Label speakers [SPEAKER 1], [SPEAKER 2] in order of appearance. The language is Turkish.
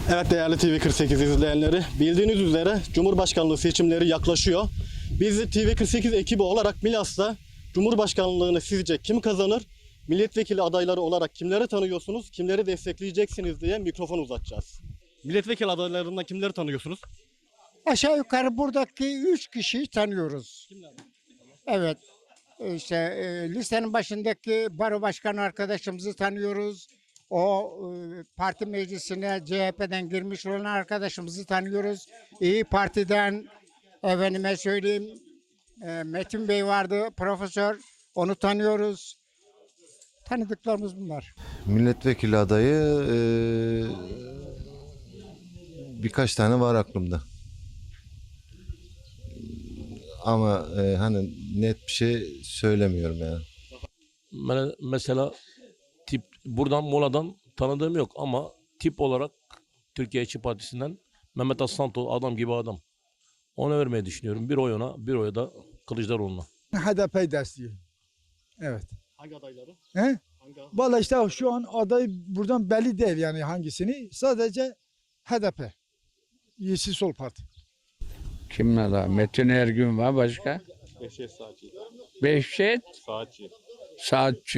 [SPEAKER 1] Evet değerli TV48 izleyenleri, bildiğiniz üzere Cumhurbaşkanlığı seçimleri yaklaşıyor. Biz TV48 ekibi olarak Milas'ta Cumhurbaşkanlığını sizce kim kazanır? Milletvekili adayları olarak kimleri tanıyorsunuz, kimleri destekleyeceksiniz diye mikrofon uzatacağız. Milletvekili adaylarından kimleri tanıyorsunuz?
[SPEAKER 2] Aşağı yukarı buradaki 3 kişiyi tanıyoruz. Evet. İşte listenin başındaki baro başkanı arkadaşımızı tanıyoruz. O parti meclisine CHP'den girmiş olan arkadaşımızı tanıyoruz. İyi Parti'den efendime söyleyeyim Metin Bey vardı, profesör. Onu tanıyoruz. Tanıdıklarımız bunlar.
[SPEAKER 3] Milletvekili adayı birkaç tane var aklımda. Ama hani net bir şey söylemiyorum yani.
[SPEAKER 4] Mesela tip buradan Mola'dan tanıdığım yok ama tip olarak Türkiye İşçi Partisi'nden Mehmet Aslantoğlu adam gibi adam. Ona vermeyi düşünüyorum. Bir oy ona, bir oy da Kılıçdaroğlu'na.
[SPEAKER 5] HDP desteği. Evet.
[SPEAKER 1] Hangi adayları?
[SPEAKER 5] He?
[SPEAKER 1] Hangi?
[SPEAKER 5] Vallahi işte şu an aday buradan belli değil yani hangisini. Sadece HDP. Yeşil Sol Parti.
[SPEAKER 6] Kimler var? Metin Ergün var başka.
[SPEAKER 1] Behçet Saatçi.
[SPEAKER 6] Behçet
[SPEAKER 1] Saatçi.
[SPEAKER 6] Saatçi.